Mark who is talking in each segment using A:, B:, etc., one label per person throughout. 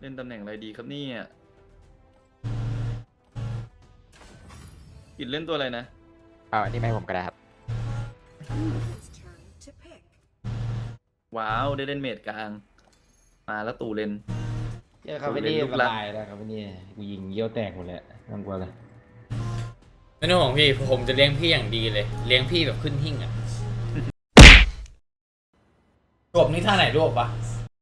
A: ล่นตำแหน่งอะไรดีครับเนี่ยกิดเล่นตัวอะไรนะ
B: อันนี้ไม่ให้ผมก็ได้ครับ
A: ว้าวได้เล่นเมดกลางมาแล้วตู่เลน
C: เจอคาเฟนี่สบายแล้วคาเฟนี่กูยิงเยี่ยวแตกหมดเลยทั้งกลัวเลย
D: ไม่ต้องห่วงพี่ผมจะเลี้ยงพี่อย่างดีเลยเลี้ยงพี่แบบขึ้นหิ้งอ่ะรวบนี่ท่าไหนรวบวะ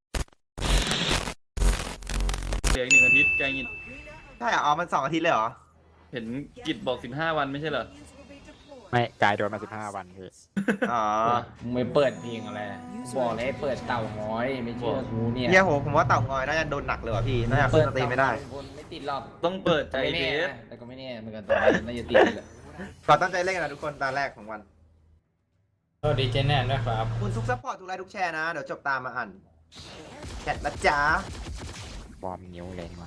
A: เหลืออีก1 อาทิตย์ใกล้งิด
E: ใช่อ๋อมัน2 อาทิตย์เลยเหรอ
A: เห็นกิจบอก15 วันไม่ใช่เหรอ
B: ไม่กายโดนมา15 วันพี่
E: อ๋อ
C: มึงไม่เปิดเพลงอะไรบอกเลยเปิดเต่าง้อยไม่เชื่อกูเนี่ย
E: เฮียโหผมว่าเต่างอยน่าจะโดนหนักเลยว่ะพี่น่าจะขึ้นสตรีมไม่ได้
C: ไม่ติดหรอก
A: ต้องเปิดใจเทส
C: แต่ก็ไม่แน่เหมือนกันตอนน่าจะติดเลย
E: ก่อนตั้งใจเล่นกันนะทุกคนตาแรกของวัน
D: ก็ดีเจแน่นด้วยครับ
E: คุณทุกซัพพอร์ตทุกไลค์ทุกแชร์นะเดี๋ยวจบตามมาอ่านแชทนะจ๊ะ
B: บอมนิ้วเลยนี่วะ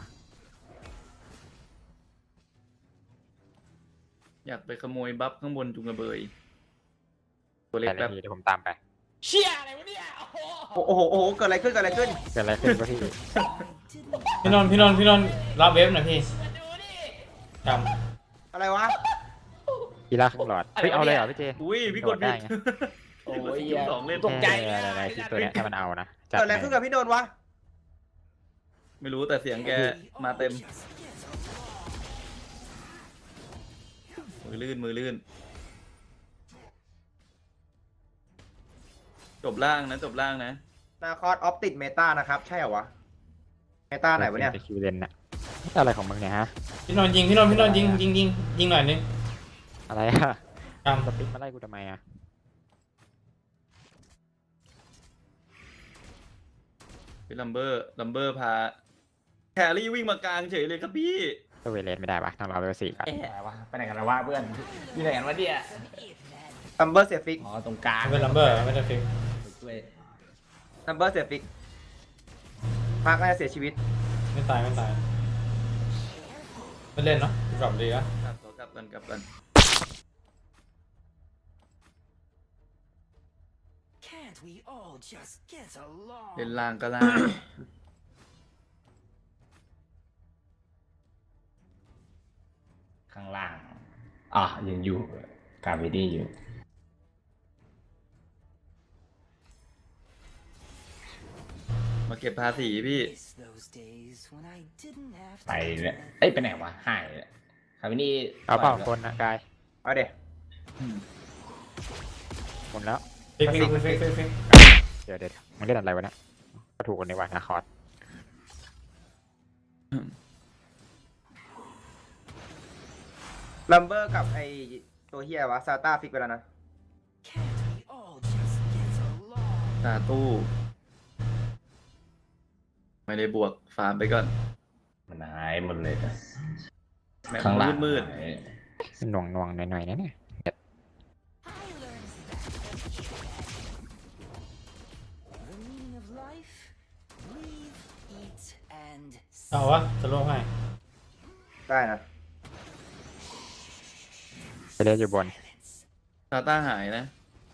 A: อยากไปขโมยบัฟข้างบนจุงกระเบยตัวเล็ก
B: แต่
A: แป๊บ
B: ทีเดี๋ยวผมตามไป
D: เชี่ยอะไรวะเนี่ย
E: โอ้โหเกิดอะไรขึ้น
B: เกิดอะไรขึ้นวะพี่
D: พี่นนท์รับเว็บหน่อยพี่จำ
E: อะไรวะ
B: กีฬาครึ่งหลอดเฮ้ยเอาเลยเหรอพี่เจ
A: อุ้ยพี่กดผิด
C: โอ้ย
A: 2 เล่น
D: ตกใจ
B: อะไรที่ตัวเนี้ยถ้ามันเอานะ
E: เกิดอะไรขึ้นกับพี่โดนวะ
A: ไม่รู้แต่เสียงแกมาเต็มมือลื่นจบล่างนะ
E: นาคอสออฟติดเมตานะครับใช่เหรอวะเมตาไหนวะเนี่ย
B: คิวเลนน่ะอะไรของมึงเนี่ยฮะ
D: พี่นนท์ยิงหน่อยนึง
B: อะไรอะ
D: จำ
B: สปิ๊กมาไล่กูทำไมอะ
A: พี่ลัมเบอร์พาแครี่วิ่งมากลางเฉยเลยครับพี่
B: ตัวเวเลนไม่ได้ปะต้องรอเวล4ก่อน
C: ไปไหนกันแล้ววะเพื่อนอยู่ไหนกันวะเนี่ย
E: ลัมเบอร์เสียฟิก
C: อ๋อตรงกลาง
D: เป็นลัมเบอร์ไม่ได้ฟิก
E: ลัมเบอร์เสียฟิกพักน่าจะเสียชีวิต
D: ไม่ตายไม่เล่นเนาะกลับดีนะ
A: กลับกันเล่นล่างก็ล่าง
C: ข้างล่างยังอยู่กาเวดี้อยู่
A: มาเก็บภาษีพี่
C: ไปเลยไปไหนวะหายเลยคาเวดี้
B: เอาเปล่าคนนะกาย
E: เอาเดี๋ยว
B: หมดแล้ว
D: ฟิก
B: เดี๋ยวมึงเล่นอะไรวะเนี่ยก็ถูกกันในวันนะคอร์ด
E: ลัมเบอร์กับไอตัวเฮียวะซาต้าฟิกไปแล้วนะ
A: ตาตู้ไม่ได้บวกฟาร์มไปก่อน
C: มันหายหมดเลย
A: ข้างล่างมืด
B: หน่วงหน่อยๆนะเนี่ย
D: เอาวะจะลงให้
E: ได้นะ
B: ไปเล่นอยู่บน
A: ซาต้าหายนะ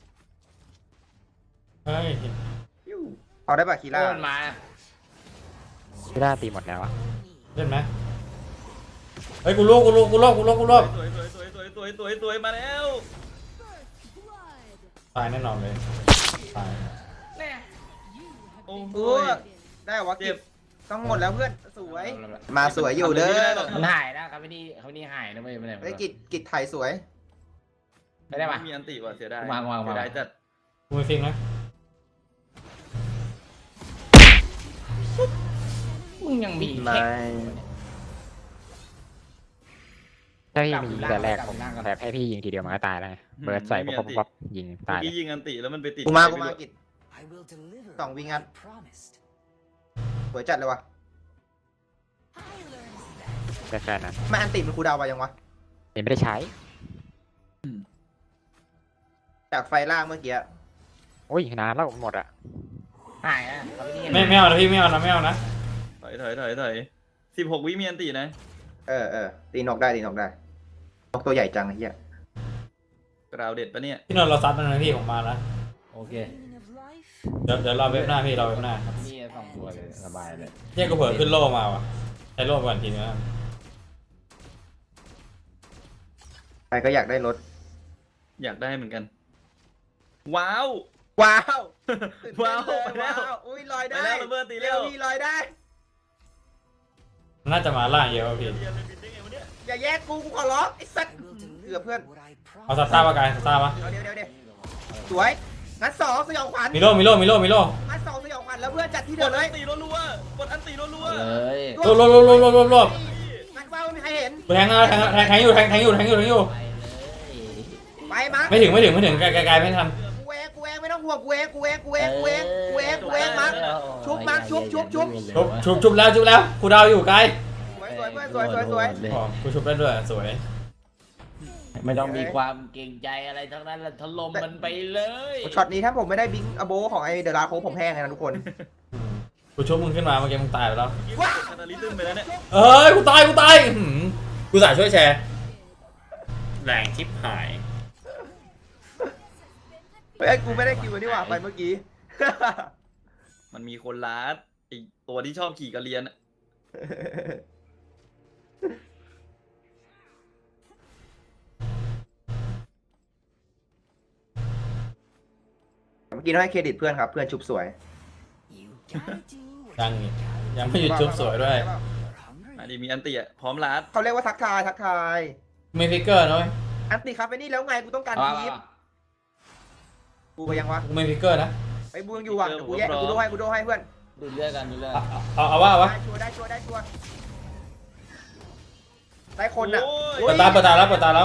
D: เฮ้ย
E: เอาได้ป่ะคีร่า
C: มา
B: คีร่าตีหมดแล้วอะ
D: เล่นไหมเฮ้ยกูลบ
A: สวยมาแล้ว
D: ตายแน่นอนเลยตาย
E: โอ้โหได้วะเก็บต้องหมดแล้วเพื่อนสวยมาสวยอยู่เด้อ
C: มันหายนะครับพี่นี่หายนะไม่ได้
E: ไอ้กิจไทยสวย
C: ไม่ได้ปะ
A: มีอันติว่ะเสียดาย
C: เสีย
A: ดายจัด
D: กูไม่ฟิกนะ
C: มึงยังมี
B: ถ้าพี่มีแต่แรกผมแบบให้พี่ยิงทีเดียวมันก็ตายแล้วเบิร์ดใส่ปุ๊บยิงตาย
A: พี่ยิงอันติแล้วมันไปติด
E: กูมากิจ2 วิงัดสวยจัดเลยวะ
B: แค่นั้น
E: ไม่อันติมันคูดาวไปยังวะ
B: ไม่ได้ใช้
E: จากไฟล่างเมื่อกี้
B: โอ้ยนานแล้วหมดอ่ะ
C: หายอ่ะ
D: ไม่เอานะพี่ไม่เอานะ
A: ถอย16 วิมีอันตินะ
E: ตีนกได้นกตัวใหญ่จังไอ้เหี้ย
A: กราวเด็ดปะเนี่ย
D: พี่นนท์เราซัดมันนะพี่ผมมาแล้ว
C: โอเค
D: เดี๋ยวรอเว็บหน้าพี่รอเว็บหน้า
C: นี่2 ตัวเลยสบายเลย
D: เนี่ยกูเผลอขึ้นโล่มาว่ะใช้โล่ก่อนทีนึงนะ
E: ใครก็อยากได้รถ
A: อยากได้เหมือนกัน ว้าว
E: ว้าวตื่นเต้น
A: ว้าว
E: เลย
A: ไปแล้ว
E: ว้าวอุ้ยลอย
A: ไป
E: ได้
A: แล้วระเบิดตีเร็ว
E: พี่ลอยได้
D: น่าจะมาล่างเยอะว่ะพี่
A: เรียนบินได้ไงวะเนี่ย
E: อย่าแยกกูขอร้องไอ้สัตว์เกือบเพื่อน
D: เอาซาซ่าปะกายซาซ่าปะ
E: เดี๋ยวสวยงัดสองสยองขวัญ
D: มีโล่มีโล่มีโล่มีโล่
E: งัดสองสยองขวัญแล้วเพื่อนจัดที่
A: ก
E: เดิ
A: ด
E: มเล
A: อั
E: ย
A: นตีรัวๆกดอันตีรัว
C: เลย
D: โล่โล่โล่โล่โล่โล่โล่
E: งัดว่าไม่มีใครเห็น
D: แทงนะแทงอยู่แทงอยู่
E: ไปมั้ง
D: ไม่ถึงไกลไม่ทัน
E: กูเองไม่ต้องห่วงกูเองมั้งชุบมั้งชุบ
D: ชุบแล้วกูดาวอยู่ไกล
E: สวยเพื่อนสวย
D: อ๋อกูชุบได้ด้วยสวย
C: ไม่ต้องมีความเกรงใจอะไรทั้งนั้นละถล่มมันไปเลย
E: ช็อตนี้ถ้าผมไม่ได้บิงอโบของไอเดอะลาโคผมแห้งเลยนะทุกคน
D: กูชุบมึงขึ้นมาเมื่อกี้มึงตายไปแล้ว
A: ๆคาตาลิซึมไปแล้วเนี่ย
D: เอ้ยกูตายกูสายช่วยแชร์แรงชิปหาย
E: เฮ้ยกูไม่ได้คิวนี่หว่าไปเมื่อกี้
A: มันมีคนลัดไอตัวที่ชอบขี่กระเรียนอะ
E: เมื่อกี้ต้องให้เครดิตเพื่อนครับเพื่อนชุบสวย
D: ยังไม่หยุดชุบสวยด้วย
A: อันนี้มีอันตีอะพร้อมลัด
E: เขาเรียกว่าทักทาย
D: มีฟิกเกอร์นะเว้ย
E: อันติครับไปนี่แล้วไงกูต้องการทีมกูไปยังวะ
D: กูไม่ฟิกเกอร์นะ
E: ไปบูยังอยู่ว่ะกูแยกกูโดให้เพื่อน
C: ดูเลือดกันดูเลือด
D: เอาว่าวะ
E: ได้ชัวร์ได้คนน่ะ
A: โอ้ย
D: เปิดตาแล้วรวบ
E: สวย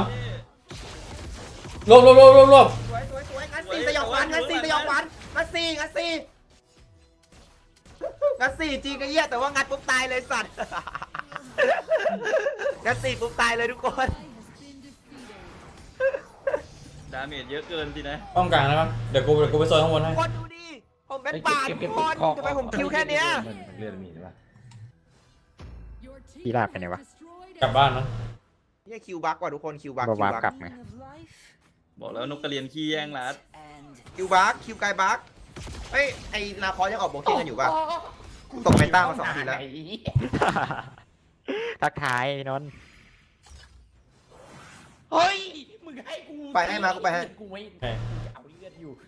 E: งั้นสี่สยองขวัญงัดสี่จริงไอ้เหี้ยแต่ว่างัดปุ๊บตายเลยสัตว์ งัดสี่ปุ๊บตายเลยทุกคน
A: ดาเมจเยอะเกินสินะ
D: ป้องกลางนะครับเดี๋ยวกูไปโซนข้างบนให้
E: คนดูดิผมเป็นป่าทุกคนทำไมผมคิวแค่เนี้ย
C: เลือดมีใช่ปะ
B: พี่ลาบไปไหนวะ
D: กลับบ้านนะ
E: นี่คิวบักว่ะทุกคนคิวบัก
B: บวาร์ปกลับไง
A: บอกแล้วนกกระเรียนขี้แย่งลัด
E: คิวกายบักเฮ้ยไอ้นาคอยังออกโบเก้กันอยู่ป่ะตกเมตามา2 ทีแล้ว
B: ทักทายนนท์
C: เฮ้ยมึงให้กู
E: ไปให้มากูไปให้
C: กูไม่
D: เฮ้ย
C: เอาเลือดอยู่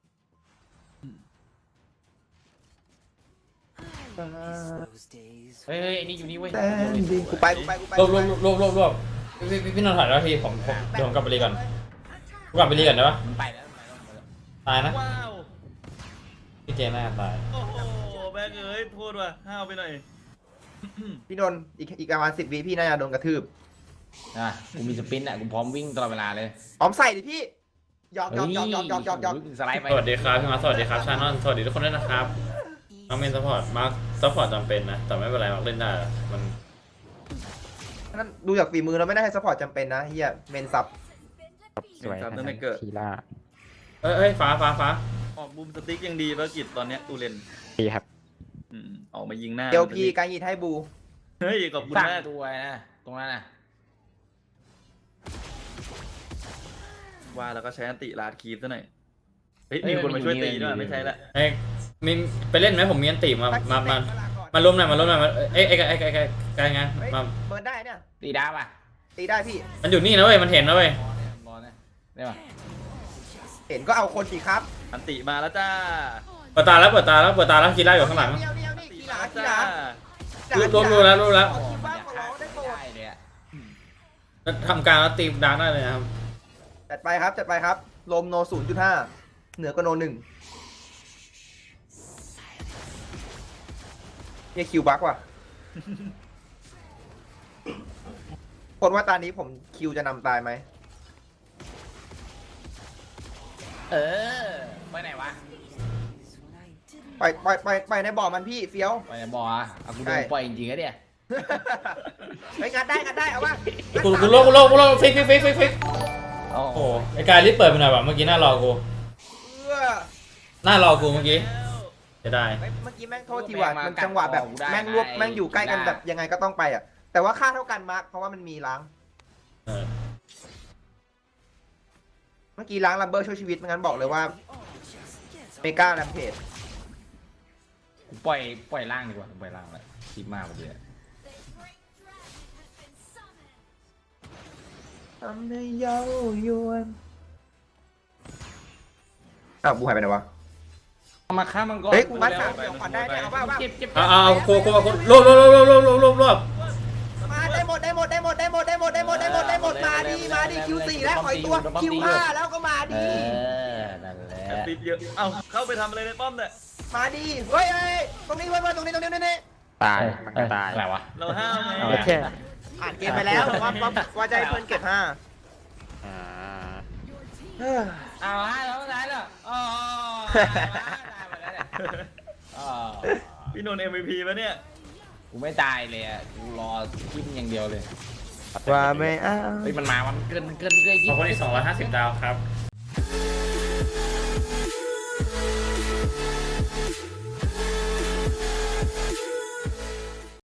C: เฮ้ยไอ้นี่อยู่นี่เว้ย
E: กูไป
D: รวบพี่นนท์ถ่ายแล้วทีผมเดี๋ยวผมกลับไปรีก่อนกูกลับไปรีก่อนได้ปะ
C: มันไปแล้ว
D: ตายนะ
A: ว้าว
D: พี่เจน่าตาย
A: โอ้โหแม่งเอ้ยโทษว่ะห้าวไปหน่อย
E: พี่นนท์อีกประมาณ10 วิพี่น่าจะโดนกระทืบ
C: อ่ะกูมีสปินอ่ะกูพร้อมวิ่งตลอดเวลาเลย
E: พร้อมใส่ดิพี่หยอก
C: สไลด์ไป
D: สวัสดีครับพี่มาสวัสดีครับชานอนสวัสดีทุกคนด้วยนะครับน้องเมนซัพพอร์ตมาร์คซัพพอร์ตจำเป็นนะแต่ไม่เป็นไรมาร์คเล่นได้มัน
E: นั่นดูจากฝีมือเราไม่ได้ให้ซัพพอร์ตจำเป็นนะเฮียเมนซับ
B: สวย
A: ครับ
B: นะ
A: ตั้งแต่เกิด
B: ทีล่า
D: เอ้ยฟ้า
A: ออกบูมสติ๊กยังดีภารกิจตอนเนี้ยตูเลน
B: ดีครับ
A: ออกมายิงหน้า
E: เดียวพีการยีดให้บู
A: เฮ้ยขอบคุณ
C: สร้าง
A: มาก
C: ตัวนะตรงนั้นน่ะ
A: ว่าแล้วก็ใช้อันติลาดคีฟซะหน่อยเฮ้ยมีคนมาช่วยตีด้วยไม่ใช่ละ
D: เอ้ยมีไปเล่นไหมผมมีอันติมามารวมหน่อยเอ้ยไกลไงมา
E: เบิร์นได้เนี่ย
C: ตีดาบอ่ะ
E: ตีได้พี่
D: มันอยู่นี่นะเว้ยมันเห็นนะเว้ย
C: บอลนะได้ป่ะ
E: เห็นก็เอาคนสิครับ
A: อันติมาแล้วจ้า
D: เปิดตาแล้วกีฬาอยู่ข้างหลัง
E: เดียวนี่
A: อันติ
E: กี
A: มา
E: ฬา
A: แล้ว
E: กี
A: จ้า
E: ฬา
D: รู้แล้ว
E: ขอคิวบ้างขอร้องได้โปรด
C: ได้เลยอ่ะ
D: ทำการแล้วตีดาร์กได้เลยนะครับ
E: จัดไปครับลมโน 0.5 เหนือกว่าโน 1เนี่ยคิวบักว่ะ คนว่าตอนนี้ผมคิวจะนำตายไหม
C: เออไปไหนวะ
E: ไปในบ่อมันพี่เฟี้ยว
C: ไปไหนบอลอ่ะเอากูโดนปล่อยจริงๆอะเนี่ย
E: ไปงัดได้เอาวะ
D: กูโลกฟิก
C: โอ้
D: โอ้ไอ้กายรีบเปิดไปหน่อยว่ะเมื่อกี้หน้ารอกู หน้ารอกูเมื่อกี้จะได้
E: เมื่อกี้แม่งโทษทีว่ะมันจังหวะแบบแม่งรวบแม่งอยู่ใกล้กันแบบยังไงก็ต้องไปอ่ะแต่ว่าค่าเท่ากันมาร์คเพราะว่ามันมีล้าง เมื่อกี้ล้างลัมเบอร์ช่วยชีวิตไม่งั้นบอกเลยว่าเมกาแรมเพจ
C: ปล่อยล่างดีกว่าปล่อยล่างเลยคิดมากไปเลย
E: ทำให้เย้ายวนอ้าวบูหายไปไหนวะ
C: มาฆ่ามังกร
E: เฮ้ยกูมัดขาเดี๋ยวขวัญได้เนี่ยเอาป่ะ
C: เจ็บเจ็บ
D: เอาโครวบ
E: มาได้หมดมาดีคิว4แล้วขอยตัวคิว5แล้วก็มาดี
C: นั่นแหละ
A: แอปปิดเยอะเอ้าเข้าไปทำอะไรในป้อมเนี่ย
E: มาดีเฮ้ยตรงนี้เพื่อนตรงนี้นี่
B: ตายมันก็ตาย
C: อะไรวะ
A: เราห้ามไง
C: เอา
B: แค่
E: อ่านเกมไปแล้วว่าจะให้เพื่อนเก็บ5
B: อ่า
C: เอาฮะแล้วไหนล่ะอ๋อ
A: พี่นนท์ MVP ปะเนี่ย
C: กูไม่ตายเลยอ่ะกูรอกินอย่างเดียวเลย
E: ว่าไม่เอา
C: เฮ้ยมันมามันเกินเลย
D: ขอบคุณอีก250 ดาวครับ